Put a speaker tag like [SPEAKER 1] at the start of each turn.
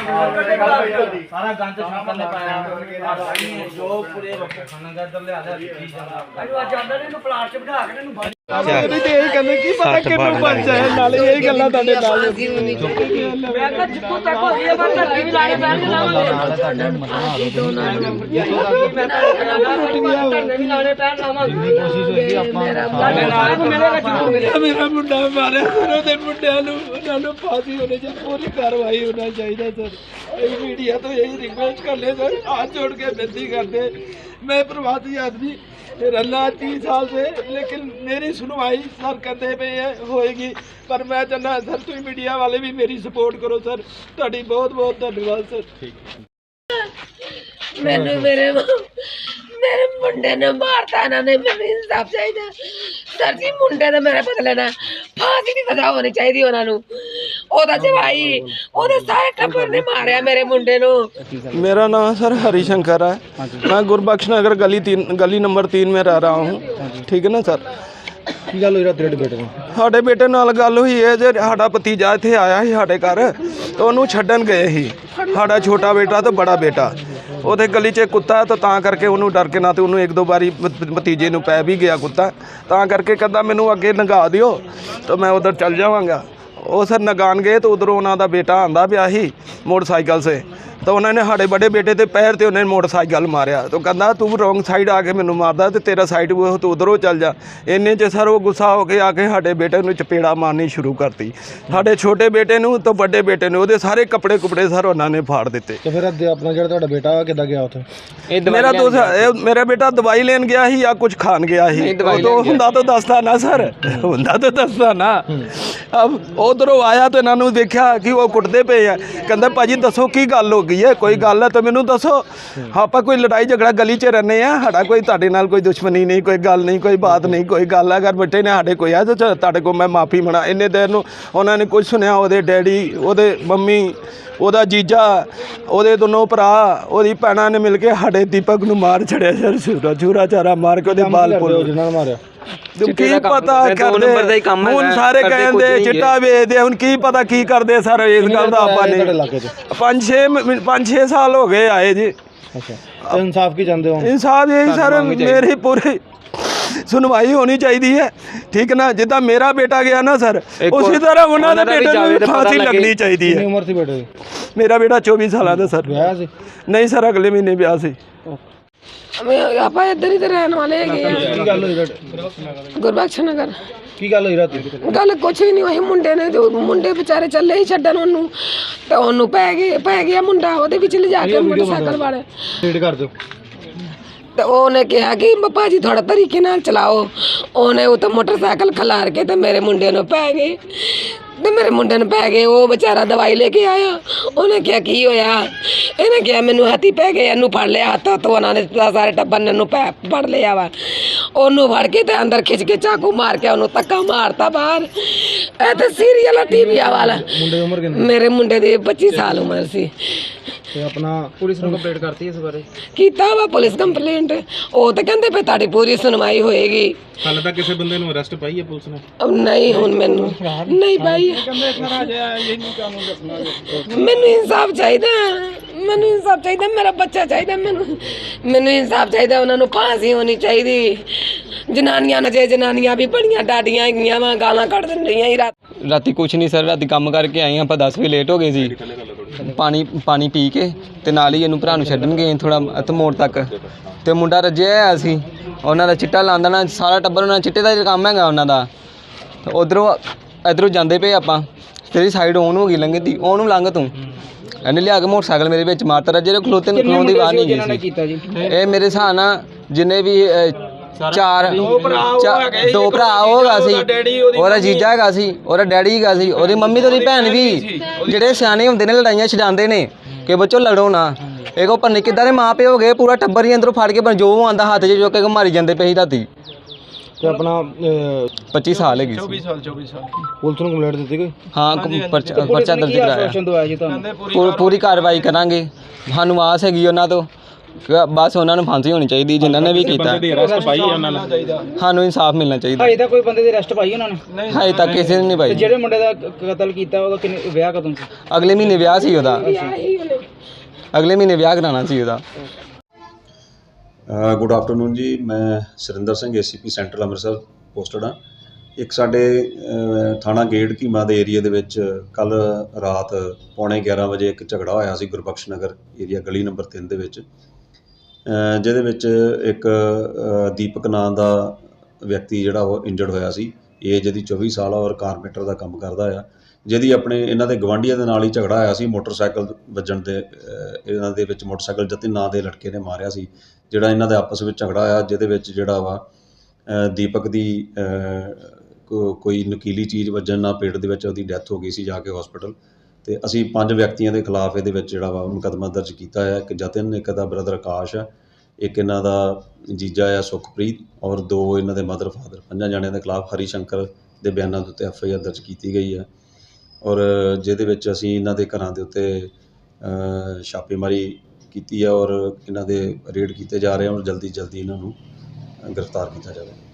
[SPEAKER 1] ਸਾਰਾ ਗੰਦ ਸ਼ਾਮਲ ਨੇ ਪਾਇਆ ਜੋ ਪੂਰੇ ਖਾਣਾ ਇੱਧਰ ਲਿਆ ਲਿਆ ਅੱਜ ਆਂਦਾ ਨੇ ਇਹਨੂੰ ਪਲਾਟ 'ਚ ਬਿਠਾ ਕੇ ਇਹਨੂੰ
[SPEAKER 2] ਉਹਦੀ ਤੇ ਇਹ ਕਹਿੰਦੇ ਕੀ ਪਤਾ ਕਿੰਨੂੰ ਬਣ ਜਾਏ ਨਾਲੇ ਇਹ ਗੱਲਾਂ ਤੁਹਾਡੇ ਨਾਲ
[SPEAKER 1] ਮੈਂ ਤਾਂ ਜਿੱਥੋਂ ਤੱਕ ਹੋ ਗਈ ਮੈਂ ਧੱਕੇ ਵੀ ਲਾਣੇ ਪੈਣਗੇ
[SPEAKER 2] ਮੇਰਾ ਮੁੰਡਾ ਮਾਰਿਆ ਉਹਦੇ ਮੁੰਡਿਆਂ ਨੂੰ ਉਹਨਾਂ ਨੂੰ ਫਾਂਸੀ ਹੋਣੀ ਚਾਹੀਦੀ ਪੂਰੀ ਕਾਰਵਾਈ ਹੋਣਾ ਚਾਹੀਦਾ ਸਰ ਇਹ ਮੀਡੀਆ ਤੋਂ ਇਹੀ ਰਿਕਵੈਸਟ ਕਰ ले सर हाथ जोड़ के विनती करते मैं प्रवासी आदमी रहा 30 साल से लेकिन मेरी सुनवाई सर कहते पे होएगी पर मैं चाहना सर तुम मीडिया वाले भी मेरी सपोर्ट करो सर ਤੁਹਾਡੀ बहुत बहुत धन्यवाद सर
[SPEAKER 3] मैंने मेरे मुंडे ने मारता इन्होंने मैंने इंसाफ चाहिए सर जी मुंडे ने मेरे बदले ना फांसी भी सजा होनी चाहिए उन्होंने ਉਹਦਾ ਜਵਾਈ ਉਹਦੇ ਸਾਰੇ ਟੱਬਰ ਨੇ ਮਾਰਿਆ ਮੇਰੇ ਮੁੰਡੇ ਨੂੰ
[SPEAKER 2] मेरा नाम सर हरी शंकर है मैं गुरबख्श नगर गली नंबर 3 में रह रहा हूँ ठीक है ना सर
[SPEAKER 4] ਕੀ ਗੱਲ ਹੋਈ ਰਾਤ ਬੇਟੇ ਨੂੰ
[SPEAKER 2] ਸਾਡੇ ਬੇਟੇ ਨਾਲ ਗੱਲ ਹੋਈ ਹੈ ਜੇ ਸਾਡਾ ਭਤੀਜਾ ਇੱਥੇ ਆਇਆ ਸੀ ਸਾਡੇ ਘਰ ਤੇ ਉਹਨੂੰ ਛੱਡਣ ਗਏ ਸੀ ਸਾਡਾ ਛੋਟਾ ਬੇਟਾ ਤੇ ਬੜਾ ਬੇਟਾ ਉਹਦੇ ਗਲੀ 'ਚ ਕੁੱਤਾ ਤਾਂ ਕਰਕੇ ਉਹਨੂੰ ਡਰ ਕੇ ਨਾ ਤੇ ਉਹਨੂੰ ਇੱਕ ਦੋ ਵਾਰੀ ਭਤੀਜੇ ਨੂੰ ਪੈ ਵੀ ਗਿਆ ਕੁੱਤਾ ਤਾਂ ਕਰਕੇ ਕਹਿੰਦਾ ਮੈਨੂੰ ਅੱਗੇ ਲੰਘਾ ਦਿਓ ਤਾਂ ਮੈਂ ਉਧਰ ਚੱਲ ਜਾਵਾਂਗਾ ਉਹ ਸਰ ਨਗਾਨ ਗਏ तो उधरों उन्होंने बेटा आंदा पिया ही मोटरसाइकिल से तो उन्होंने साढ़े बड़े बेटे के पैर से उन्हें मोटरसाइकिल मारिया तो कहता तू रोंग साइड आके मैनू मारदा तो तेरा साइड वो तू उधरों चल जा इन्ने च सर वो गुस्सा होके आके साढ़े बेटे को चपेड़ा मारनी शुरू करती साढ़े छोटे बेटे नूं तो बड़े बेटे ने वो सारे कपड़े कुपड़े सर उन्होंने फाड़ दिते
[SPEAKER 4] तो फिर अपना जो बेटा किदा गया उत्थे
[SPEAKER 2] मेरा दोस्त मेरा बेटा दवाई लेन गया ही या कुछ खान गया ही तो हुंदा तो दसदा ना सर हुंदा तो दसदा ना अब उधरों आया तो इन्होंने देखा कि वो कुटते पे है कहते भाजी दसो की गल हो गई है कोई गल है तो मैनू दसो आप कोई लड़ाई झगड़ा गली च रहने हैं साडा कोई तुहाडे नाल कोई दुश्मनी नहीं कोई गल नहीं कोई बात नहीं कोई गल अगर बेटे ने साडे कोई है तो तुहाडे को मैं माफ़ी मना इन्ने देर नूं उन्होंने कुछ सुनिया ਉਹਦੇ डैडी ਉਹਦੇ मम्मी ਉਹਦਾ जीजा ਉਹਦੇ दोनों भरा ਉਹਦੀ ਭੈਣਾਂ ने मिल के साडे दीपक ਨੂੰ मार छड़िया सर छूरा चारा मार के ਉਹਦੇ बाल पुल
[SPEAKER 4] जिन्होंने मारिया
[SPEAKER 2] की पता करदे हुण सारे कहंदे चिट्टा वेचदे हुण की पता की करदे सर इस गल दा आपां नहीं 5-6 साल हो गए आए जी
[SPEAKER 4] अच्छा तो इंसाफ की चाहते हो
[SPEAKER 2] इंसाफ यही सर मेरी पूरी सुनवाई होनी चाहिए है ठीक ना जिदा मेरा बेटा गया ना सर उसी तरह उन्होंने बेटे को फांसी लगनी चाहिए है
[SPEAKER 4] उम्र थी बेटे की
[SPEAKER 2] मेरा बेटा 24 साल का सर नहीं सर अगले महीने ब्याह से
[SPEAKER 3] ਆਪਾਂ ਇੱਧਰ ਹੀ ਤੇ ਰਹਿਣ ਵਾਲੇ ਹੈਗੇ ਆ
[SPEAKER 4] ਕੀ ਗੱਲ ਹੋਈ ਰਾਤ
[SPEAKER 3] ਗੁਰਬਖਸ਼ ਨਗਰ
[SPEAKER 4] ਕੀ ਗੱਲ ਹੋਈ ਰਾਤ
[SPEAKER 3] ਗੱਲ ਕੁਛ ਵੀ ਨਹੀਂ ਹੋਈ ਮੁੰਡੇ ਨੇ ਮੁੰਡੇ ਵਿਚਾਰੇ ਚੱਲੇ ਹੀ ਛੱਡਣ ਉਹਨੂੰ ਤੇ ਉਹਨੂੰ ਪੈ ਗਿਆ ਮੁੰਡਾ ਉਹਦੇ ਵਿੱਚ ਲਿਜਾ ਕੇ ਮੋਟਰਸਾਈਕਲ ਵਾਲੇ
[SPEAKER 4] ਰੀਡ ਕਰ ਦਿਓ
[SPEAKER 3] ਤੇ ਉਹਨੇ ਕਿਹਾ ਕਿ ਭਾਜੀ ਥੋੜਾ ਤਰੀਕੇ ਨਾਲ ਚਲਾਓ ਉਹਨੇ ਉਹ ਤਾਂ ਮੋਟਰਸਾਈਕਲ ਖਲਾਰ ਕੇ ਤੇ ਮੇਰੇ ਮੁੰਡੇ ਨੂੰ ਪੈ ਗਏ ਤੇ ਮੇਰੇ ਮੁੰਡੇ ਨੂੰ ਪੈ ਗਏ ਉਹ ਵਿਚਾਰਾ ਦਵਾਈ ਲੈ ਕੇ ਆਇਆ ਉਹਨੇ ਕਿਹਾ ਕੀ ਹੋਇਆ ਇਹਨੇ ਕਿਹਾ ਮੈਨੂੰ ਹੱਥੀ ਪੈ ਗਏ ਇਹਨੂੰ ਫੜ ਲਿਆ ਹੱਥ ਤੋਂ ਉਹਨਾਂ ਨੇ ਸਾਰੇ ਟੱਬਰ ਨੇ ਇਹਨੂੰ ਫੜ ਲਿਆ ਵਾ ਉਹਨੂੰ ਫੜ ਕੇ ਤੇ ਅੰਦਰ ਖਿੱਚ ਕੇ ਚਾਕੂ ਮਾਰ ਕੇ ਉਹਨੂੰ ਧੱਕਾ ਮਾਰਤਾ ਬਾਹਰ ਇਹ ਤੇ ਸੀਰੀਅਲ ਟੀਵੀ ਵਾਲਾ
[SPEAKER 4] ਮੁੰਡੇ ਦੀ ਉਮਰ ਕਿੰਨੀ
[SPEAKER 3] ਮੇਰੇ ਮੁੰਡੇ ਦੀ 25 ਸਾਲ ਉਮਰ ਸੀ
[SPEAKER 4] ਤੇ ਆਪਣਾ ਪੁਲਿਸ ਨੂੰ ਕੰਪਲੇਂਟ ਕਰਤੀ ਇਸ ਬਾਰੇ
[SPEAKER 3] ਕੀਤਾ ਵਾ ਪੁਲਿਸ ਕੰਪਲੇਂਟ ਉਹ ਤਾਂ ਕਹਿੰਦੇ ਪਏ ਤੁਹਾਡੀ ਪੂਰੀ ਸੁਣਵਾਈ ਹੋਏਗੀ
[SPEAKER 4] ਹਾਲੇ ਤੱਕ ਕਿਸੇ ਬੰਦੇ ਨੂੰ ਅਰੈਸਟ ਪਾਈ ਹੈ ਪੁਲਿਸ ਨੇ
[SPEAKER 3] ਨਹੀਂ ਹੁਣ ਮੈਨੂੰ ਨਹੀਂ ਪਾਈ ਮੈਨੂੰ ਇਨਸਾਫ ਚਾਹੀਦਾ ਮੇਰਾ ਬੱਚਾ ਚਾਹੀਦਾ ਮੈਨੂੰ ਇਨਸਾਫ ਚਾਹੀਦਾ ਉਹਨਾਂ ਨੂੰ ਫਾਂਸੀ ਹੋਣੀ ਚਾਹੀਦੀ ਜਨਾਨੀਆਂ ਵੀ ਬੜੀਆਂ ਡਾਡੀਆਂ ਹੈਗੀਆਂ ਵਾ ਗਾਲਾਂ ਕੱਢ ਦਿੰਦੀਆਂ ਹੀ
[SPEAKER 5] ਰਾਤੀ ਕੁਛ ਨਹੀਂ ਸਰ ਰਾਤੀ ਕੰਮ ਕਰਕੇ ਆਏ ਆਪਾਂ 10 ਵਜੇ ਲੇਟ ਹੋ ਗਏ ਸੀ ਪਾਣੀ ਪੀ ਕੇ ਤੇ ਨਾਲ ਹੀ ਇਹਨੂੰ ਭਰਾ ਨੂੰ ਛੱਡਣ ਗਏ ਥੋੜਾ ਮੋੜ ਤੱਕ ਤੇ ਮੁੰਡਾ ਰੱਜਿਆ ਹੋਇਆ ਸੀ ਉਹਨਾਂ ਦਾ ਚਿੱਟਾ ਲਾਉਂਦਾ ਨਾ ਸਾਰਾ ਟੱਬਰ ਉਹਨਾਂ ਚਿੱਟੇ ਦਾ ਕੰਮ ਹੈਗਾ ਉਹਨਾਂ ਦਾ ਇੱਧਰੋਂ ਜਾਂਦੇ ਪਏ ਆਪਾਂ ਤੇਰੀ ਸਾਈਡ ਔਨ ਹੋ ਗਈ ਲੰਘ ਦੀ ਉਹਨੂੰ ਲੰਘ ਤੂੰ ਇਹਨੇ ਲਿਆ ਕੇ ਮੋਟਰਸਾਈਕਲ ਮੇਰੇ ਵਿੱਚ ਮਾਰਤਾ ਰੱਜੇ ਖਲੋਤੇ ਨੂੰ ਖਲੋਣ ਦੀ ਆਵਾਜ਼ ਨਹੀਂ ਗਈ ਸੀ ਇਹ ਮੇਰੇ ਹਿਸਾਬ ਨਾਲ ਜਿੰਨੇ ਵੀ ਦੋ ਭਰਾ ਹੋਗਾ ਸੀ ਉਹਦਾ ਜੀਜਾ ਹੈਗਾ ਸੀ ਉਹਦਾ ਡੈਡੀ ਹੈਗਾ ਸੀ ਉਹਦੀ ਮੰਮੀ ਤੇ ਉਹਦੀ ਭੈਣ ਵੀ ਜਿਹੜੇ ਸਿਆਣੇ ਹੁੰਦੇ ਨੇ ਲੜਾਈਆਂ ਛਡਾਉਂਦੇ ਨੇ ਕਿ ਬੱਚੋ ਲੜੋ ਨਾ ਇਹ ਕੋ ਪੰਨੇ ਕਿੱਦਾਂ ਦੇ ਮਾਂ ਪਿਓ ਹੋ ਗਏ ਪੂਰਾ ਟੱਬਰ ਹੀ ਅੰਦਰੋਂ ਫੜ ਕੇ ਜੋ ਆਉਂਦਾ ਹੱਥ 'ਚ ਚੁੱਕ ਕੇ ਮਾਰੀ ਜਾਂਦੇ ਪਏ ਸੀ ਰਾਤੀ
[SPEAKER 4] ਤੇ ਆਪਣਾ
[SPEAKER 5] 25 ਸਾਲ ਹੈਗੀ
[SPEAKER 2] 24 ਸਾਲ
[SPEAKER 4] ਪੁਲਿਸ ਨੂੰ ਕੰਪਲੇਂਟ ਦਿੱਤੀ ਕੋਈ
[SPEAKER 5] ਹਾਂ ਪਰਚਾ ਦਰਜ ਕਰਾਇਆ ਪੂਰੀ ਕਾਰਵਾਈ ਕਰਾਂਗੇ ਸਾਨੂੰ ਆਸ ਹੈਗੀ ਉਹਨਾਂ ਤੋਂ ਬਸ ਉਹਨਾਂ ਨੂੰ ਫਾਂਸੀ ਹੋਣੀ ਚਾਹੀਦੀ ਜਿਨ੍ਹਾਂ ਨੇ ਵੀ ਕੀਤਾ ਸਾਨੂੰ ਇਨਸਾਫ ਮਿਲਣਾ ਚਾਹੀਦਾ
[SPEAKER 1] ਹਜੇ ਤੱਕ ਕੋਈ ਬੰਦੇ ਦੀ ਅਰੈਸਟ ਪਾਈ ਉਹਨਾਂ ਨੇ
[SPEAKER 5] ਹਜੇ ਤੱਕ ਕਿਸੇ ਨੇ ਨਹੀਂ ਪਾਈ
[SPEAKER 1] ਜਿਹੜੇ ਮੁੰਡੇ ਦਾ ਕਤਲ ਕੀਤਾ ਉਹਦਾ ਵਿਆਹ ਕਦੋਂ ਸੀ
[SPEAKER 5] ਅਗਲੇ ਮਹੀਨੇ ਵਿਆਹ ਸੀ ਉਹਦਾ ਅਗਲੇ ਮਹੀਨੇ ਵਿਆਹ ਕਰਾਉਣਾ ਸੀ ਉਹਦਾ।
[SPEAKER 6] ਗੁੱਡ ਆਫਟਰਨੂਨ ਜੀ। ਮੈਂ Surinder Singh ACP central Amritsar posted ਹਾਂ। ਇੱਕ ਸਾਡੇ ਥਾਣਾ ਗੇਟ ਕੀਮਾ ਦੇ ਏਰੀਏ ਦੇ ਵਿੱਚ ਕੱਲ੍ਹ ਰਾਤ 11:15 ਵਜੇ ਇੱਕ ਝਗੜਾ ਹੋਇਆ ਸੀ ਗੁਰਬਖਸ਼ ਨਗਰ ਏਰੀਆ ਗਲੀ ਨੰਬਰ 3 ਦੇ ਵਿੱਚ, ਜਿਹਦੇ ਵਿੱਚ ਇੱਕ ਦੀਪਕ ਨਾਂ ਦਾ ਵਿਅਕਤੀ ਜਿਹੜਾ ਉਹ ਇੰਜਰਡ ਹੋਇਆ ਸੀ। ਏਜ ਇਹਦੀ 24 ਸਾਲ ਆ ਔਰ ਕਾਰਪੈਂਟਰ ਦਾ ਕੰਮ ਕਰਦਾ ਆ। ਜਿਹਦੀ ਆਪਣੇ ਇਹਨਾਂ ਦੇ ਗਵਾਂਢੀਆਂ ਦੇ ਨਾਲ ਹੀ ਝਗੜਾ ਹੋਇਆ ਸੀ। ਮੋਟਰਸਾਈਕਲ ਵੱਜਣ ਦੇ ਇਹਨਾਂ ਦੇ ਵਿੱਚ ਮੋਟਰਸਾਈਕਲ ਜਤਿਨ ਨਾਂ ਦੇ ਲੜਕੇ ਨੇ ਮਾਰਿਆ ਸੀ, ਜਿਹੜਾ ਇਹਨਾਂ ਦੇ ਆਪਸ ਵਿੱਚ ਝਗੜਾ ਹੋਇਆ, ਜਿਹਦੇ ਵਿੱਚ ਜਿਹੜਾ ਵਾ ਦੀਪਕ ਦੀ ਕੋਈ ਨਕੀਲੀ ਚੀਜ਼ ਵੱਜਣ ਨਾਲ ਪੇਟ ਦੇ ਵਿੱਚ ਉਹਦੀ ਡੈਥ ਹੋ ਗਈ ਸੀ ਜਾ ਕੇ ਹਸਪੀਟਲ। ਅਤੇ ਅਸੀਂ 5 ਵਿਅਕਤੀਆਂ ਦੇ ਖਿਲਾਫ ਇਹਦੇ ਵਿੱਚ ਜਿਹੜਾ ਵਾ ਮੁਕੱਦਮਾ ਦਰਜ ਕੀਤਾ ਹੈ। ਇੱਕ ਜਤਿਨ, ਇੱਕ ਦਾ ਬ੍ਰਦਰ ਆਕਾਸ਼ ਆ, ਇੱਕ ਇਹਨਾਂ ਦਾ ਜੀਜਾ ਆ ਸੁਖਪ੍ਰੀਤ, ਔਰ 2 ਇਹਨਾਂ ਦੇ ਮਦਰ ਫਾਦਰ। 5 ਜਣਿਆਂ ਦੇ ਖਿਲਾਫ ਹਰੀ ਸ਼ੰਕਰ ਦੇ ਬਿਆਨਾਂ ਦੇ ਉੱਤੇ FIR ਦਰਜ ਕੀਤੀ ਗਈ ਹੈ, ਔਰ ਜਿਹਦੇ ਵਿੱਚ ਅਸੀਂ ਇਹਨਾਂ ਦੇ ਘਰਾਂ ਦੇ ਉੱਤੇ ਛਾਪੇਮਾਰੀ ਕੀਤੀ ਹੈ ਔਰ ਇਹਨਾਂ ਦੇ ਰੇਡ ਕੀਤੇ ਜਾ ਰਹੇ ਹਨ ਔਰ ਜਲਦੀ ਇਹਨਾਂ ਨੂੰ ਗ੍ਰਿਫਤਾਰ ਕੀਤਾ ਜਾਵੇ।